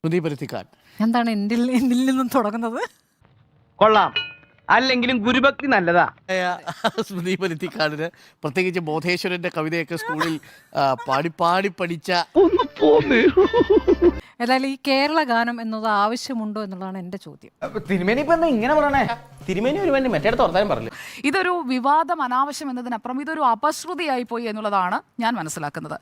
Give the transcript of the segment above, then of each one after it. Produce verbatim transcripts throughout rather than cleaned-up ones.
എന്താണ് എന്നിൽ എന്നിൽ നിന്നും തുടങ്ങുന്നത്? കൊള്ളാം, അല്ലെങ്കിലും ഗുരുഭക്തി നല്ലതാ. സ്മൃതി പരുത്തിക്കാടിന് പ്രത്യേകിച്ച് ബോധേശ്വരന്റെ കവിതയൊക്കെ സ്കൂളിൽ പാടി പാടി പഠിച്ച. ഏതായാലും ഈ കേരള ഗാനം എന്നത് ആവശ്യമുണ്ടോ എന്നുള്ളതാണ് എന്റെ ചോദ്യം. തിരുമേനി ഇപ്പൊ എന്താ ഇങ്ങനെ പറയണേ? തിരുമേനി ഒരു വേണ്ടി മറ്റേ തുറത്താനും പറഞ്ഞു. ഇതൊരു വിവാദം അനാവശ്യം എന്നതിനപ്പുറം ഇതൊരു അപശ്രുതിയായി പോയി എന്നുള്ളതാണ് ഞാൻ മനസ്സിലാക്കുന്നത്.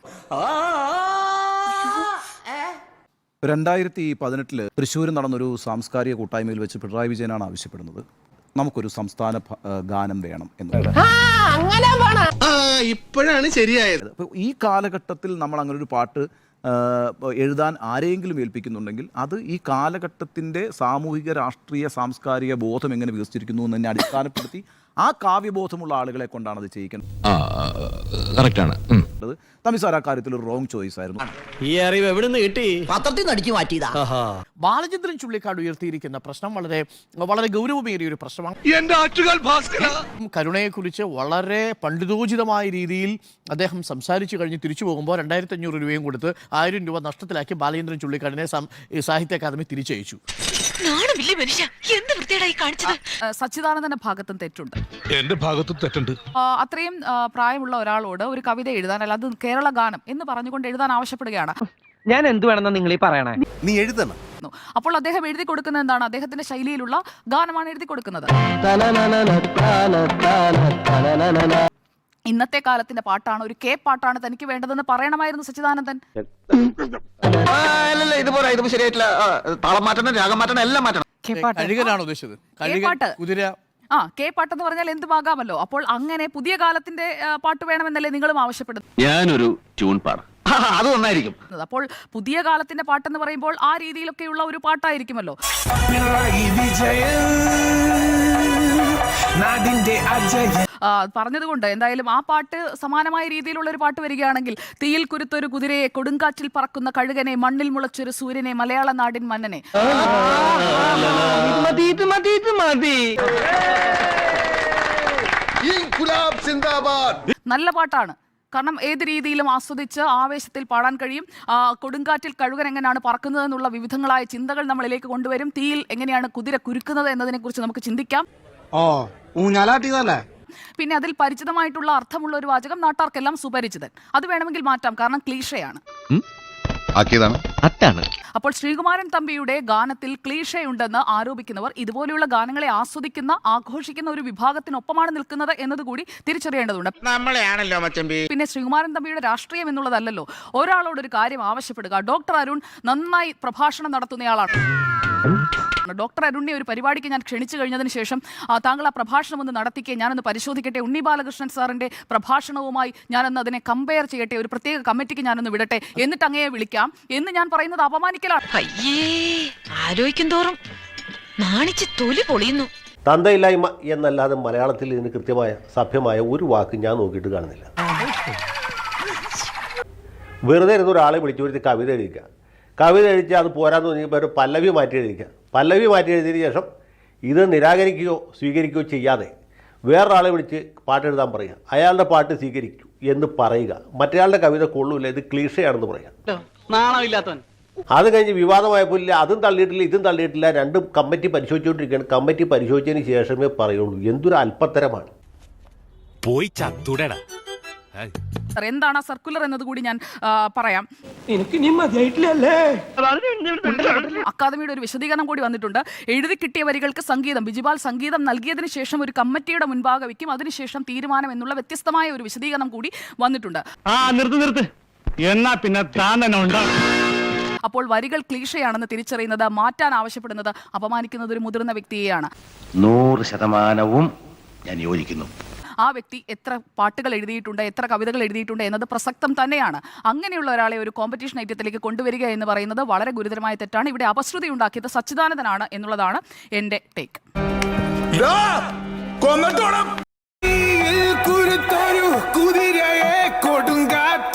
രണ്ടായിരത്തി പതിനെട്ടില് തൃശ്ശൂർ നടന്നൊരു സാംസ്കാരിക കൂട്ടായ്മയിൽ വെച്ച് പിണറായി വിജയനാണ് ആവശ്യപ്പെടുന്നത്, നമുക്കൊരു സംസ്ഥാന ഗാനം വേണം എന്നുള്ളത്. ഇപ്പോഴാണ് ശരിയായത്. ഈ കാലഘട്ടത്തിൽ നമ്മൾ അങ്ങനെ ഒരു പാട്ട് എഴുതാൻ ആരെങ്കിലും ഏൽപ്പിക്കുന്നുണ്ടെങ്കിൽ അത് ഈ കാലഘട്ടത്തിൻ്റെ സാമൂഹിക രാഷ്ട്രീയ സാംസ്കാരിക ബോധം എങ്ങനെ വികസിച്ചിരിക്കുന്നു എന്നതിനെ അടിസ്ഥാനപ്പെടുത്തി ആ കാവ്യബോധമുള്ള ആളുകളെ കൊണ്ടാണ് അത് ചെയ്യിക്കുന്നത്. തമിസാർ ആ കാര്യത്തിൽ ഒരു റോങ് ചോയ്സ് ആയിരുന്നു. ഈ അറിവ് എവിടെ നിന്ന് കിട്ടി? പത്രത്തിൽ നിന്ന് അടിച്ചു മാറ്റിയതാ. ബാലചന്ദ്രൻ ചുള്ളിക്കാട് ഉയർത്തിയിരിക്കുന്ന പ്രശ്നം വളരെ വളരെ ഗൗരവമേറിയ ഒരു പ്രശ്നമാണ്. കരുണയെക്കുറിച്ച് വളരെ പണ്ഡിതോചിതമായ രീതിയിൽ അദ്ദേഹം സംസാരിച്ചു കഴിഞ്ഞ് തിരിച്ചു പോകുമ്പോൾ രണ്ടായിരത്തി അഞ്ഞൂറ് രൂപയും കൊടുത്ത് ആയിരം രൂപ നഷ്ടത്തിലാക്കി ബാലചന്ദ്രൻ ചുള്ളിക്കാടിനെ സാഹിത്യ അക്കാദമി തിരിച്ചയച്ചു. സച്ചിദാനന്ദന്റെ ഭാഗത്തും തെറ്റുണ്ട്, എന്റെ ഭാഗത്തും തെറ്റുണ്ട്. അത്രയും പ്രായമുള്ള ഒരാളോട് ഒരു കവിത എഴുതാൻ, അല്ല അത് കേരള ഗാനം എന്ന് പറഞ്ഞുകൊണ്ട് എഴുതാൻ ആവശ്യപ്പെടുകയാണ്. ഞാൻ എന്ത് വേണമെന്നാ നിങ്ങൾ ഈ പറയണേ? നീ എഴുതണം. അപ്പോൾ അദ്ദേഹം എഴുതി കൊടുക്കുന്നത് എന്താണ്? അദ്ദേഹത്തിന്റെ ശൈലിയിലുള്ള ഗാനമാണ് എഴുതി കൊടുക്കുന്നത്. ഇന്നത്തെ കാലത്തിന്റെ പാട്ടാണ്, ഒരു കെ പാട്ടാണ് തനിക്ക് വേണ്ടതെന്ന് പറയണമായിരുന്നു സച്ചിദാനന്ദൻ. ആ കെ പാട്ടെന്ന് പറഞ്ഞാൽ എന്തുമാകാമല്ലോ. അപ്പോൾ അങ്ങനെ പുതിയ കാലത്തിന്റെ പാട്ട് വേണമെന്നല്ലേ നിങ്ങളും ആവശ്യപ്പെടുന്നത്? ഞാനൊരു ട്യൂൺ പാടാം, അത് നന്നായിരിക്കും. അപ്പോൾ പുതിയ കാലത്തിന്റെ പാട്ടെന്ന് പറയുമ്പോൾ ആ രീതിയിലൊക്കെയുള്ള ഒരു പാട്ടായിരിക്കുമല്ലോ. പറഞ്ഞതുകൊണ്ട് എന്തായാലും ആ പാട്ട് സമാനമായ രീതിയിലുള്ള ഒരു പാട്ട് വരികയാണെങ്കിൽ, തീയിൽ കുരുത്തൊരു കുതിരയെ, കൊടുങ്കാറ്റിൽ പറക്കുന്ന കഴുകനെ, മണ്ണിൽ മുളച്ചൊരു സൂര്യനെ, മലയാള നാടിൻ മന്നനെ. നല്ല പാട്ടാണ്, കാരണം ഏത് രീതിയിലും ആസ്വദിച്ച് ആവേശത്തിൽ പാടാൻ കഴിയും. കൊടുങ്കാറ്റിൽ കഴുകൻ എങ്ങനെയാണ് പറക്കുന്നത് എന്നുള്ള വിവിധങ്ങളായ ചിന്തകൾ നമ്മളിലേക്ക് കൊണ്ടുവരും. തീയിൽ എങ്ങനെയാണ് കുതിര കുരുക്കുന്നത് എന്നതിനെ കുറിച്ച് നമുക്ക് ചിന്തിക്കാം. പിന്നെ അതിൽ പരിചിതമായിട്ടുള്ള അർത്ഥമുള്ള ഒരു വാചകം, നാട്ടാർക്കെല്ലാം സുപരിചിതൻ. അത് വേണമെങ്കിൽ മാറ്റാം, കാരണം ക്ലീഷയാണ്. അപ്പോൾ ശ്രീകുമാരൻ തമ്പിയുടെ ഗാനത്തിൽ ക്ലീഷയുണ്ടെന്ന് ആരോപിക്കുന്നവർ ഇതുപോലെയുള്ള ഗാനങ്ങളെ ആസ്വദിക്കുന്ന, ആഘോഷിക്കുന്ന ഒരു വിഭാഗത്തിനൊപ്പമാണ് നിൽക്കുന്നത് എന്നതുകൂടി തിരിച്ചറിയേണ്ടതുണ്ട്. പിന്നെ ശ്രീകുമാരൻ തമ്പിയുടെ രാഷ്ട്രീയം എന്നുള്ളതല്ലല്ലോ ഒരാളോട് ഒരു കാര്യം ആവശ്യപ്പെടുക. ഡോക്ടർ അരുൺ നന്നായി പ്രഭാഷണം നടത്തുന്നയാളാണ്. ഡോക്ടർ അരുണിനെ ഒരു പരിപാടിക്ക് ഞാൻ ക്ഷണിച്ചു കഴിഞ്ഞതിന് ശേഷം താങ്കൾ ആ പ്രഭാഷണം ഒന്ന് നടത്തിക്കേ, ഞാനൊന്ന് പരിശോധിക്കട്ടെ, ഉണ്ണി ബാലകൃഷ്ണൻ സാറിന്റെ പ്രഭാഷണവുമായി ഞാനൊന്ന് അതിനെ കമ്പയർ ചെയ്യട്ടെ, ഒരു പ്രത്യേക കമ്മിറ്റിക്ക് ഞാനൊന്ന് വിടട്ടെ, എന്നിട്ട് അങ്ങയെ വിളിക്കാം എന്ന് ഞാൻ പറയുന്നത് അപമാനിക്കലാണ്. ആലോചിക്കും തോറും നാണിച്ച് തൊലി പൊളിയുന്നു. തന്തയില്ലായ്മ എന്നല്ലാതെ മലയാളത്തിൽ ഇതിന് കൃത്യമായ സഭ്യമായ ഒരു വാക്ക് ഞാൻ നോക്കിയിട്ട് കാണുന്നില്ല. വെറുതെ ഇരുന്ന് ഒരാളെ വിളിച്ചു വരുത്തി കവിത എഴുതിക്കുക, കവിത എഴുതിച്ച് അത് പോരാന്ന് തോന്നിയപ്പോൾ ഒരു പല്ലവി മാറ്റി എഴുതിക്കുക, പല്ലവി മാറ്റി എഴുതിയതിന് ശേഷം ഇത് നിരാകരിക്കുകയോ സ്വീകരിക്കുകയോ ചെയ്യാതെ വേറൊരാളെ വിളിച്ച് പാട്ടെഴുതാൻ പറയുക, അയാളുടെ പാട്ട് സ്വീകരിക്കൂ എന്ന് പറയുക, മറ്റേയാളുടെ കവിത കൊള്ളൂല്ല, ഇത് ക്ലീഷയാണെന്ന് പറയുക. അത് കഴിഞ്ഞ് വിവാദമായപ്പോൾ ഇല്ല അതും തള്ളിയിട്ടില്ല ഇതും തള്ളിയിട്ടില്ല, രണ്ടും കമ്മിറ്റി പരിശോധിച്ചുകൊണ്ടിരിക്കുകയാണ്. കമ്മിറ്റി പരിശോധിച്ചതിന് ശേഷമേ പറയുള്ളൂ. എന്തൊരു അല്പത്തരമാണ്. പോയി ചത്തുടടാ. എന്താണ് ആ സർക്കുലർ എന്നത് കൂടി ഞാൻ പറയാം. അക്കാദമിയുടെ ഒരു വിശദീകരണം കൂടി വന്നിട്ടുണ്ട്. എഴുതി കിട്ടിയ വരികൾക്ക് സംഗീതം ബിജിപാൽ സംഗീതം നൽകിയതിനു ശേഷം ഒരു കമ്മിറ്റിയുടെ മുൻപാകെ വയ്ക്കും, അതിനുശേഷം തീരുമാനം എന്നുള്ള വ്യത്യസ്തമായ ഒരു വിശദീകരണം കൂടി വന്നിട്ടുണ്ട്. എന്നാ പിന്നെ അപ്പോൾ വരികൾ ക്ലീഷയാണെന്ന് തിരിച്ചറിയുന്നത്, മാറ്റാൻ ആവശ്യപ്പെടുന്നത്, അപമാനിക്കുന്നത് ഒരു മുതിർന്ന വ്യക്തിയെയാണ്. നൂറ് ശതമാനവും ഞാൻ യോജിക്കുന്നു. ആ വ്യക്തി എത്ര പാട്ടുകൾ എഴുതിയിട്ടുണ്ട്, എത്ര കവിതകൾ എഴുതിയിട്ടുണ്ട് എന്നത് പ്രസക്തം തന്നെയാണ്. അങ്ങനെയുള്ള ഒരാളെ ഒരു കോമ്പറ്റീഷൻ ഐറ്റത്തിലേക്ക് കൊണ്ടുവരിക എന്ന് പറയുന്നത് വളരെ ഗുരുതരമായ തെറ്റാണ്. ഇവിടെ അപശ്രുതി ഉണ്ടാക്കിയത് സച്ചിദാനന്ദനാണ് എന്നുള്ളതാണ് എൻ്റെ ടേക്ക്. കുതിരയെ കൊടുങ്കാറ്റ്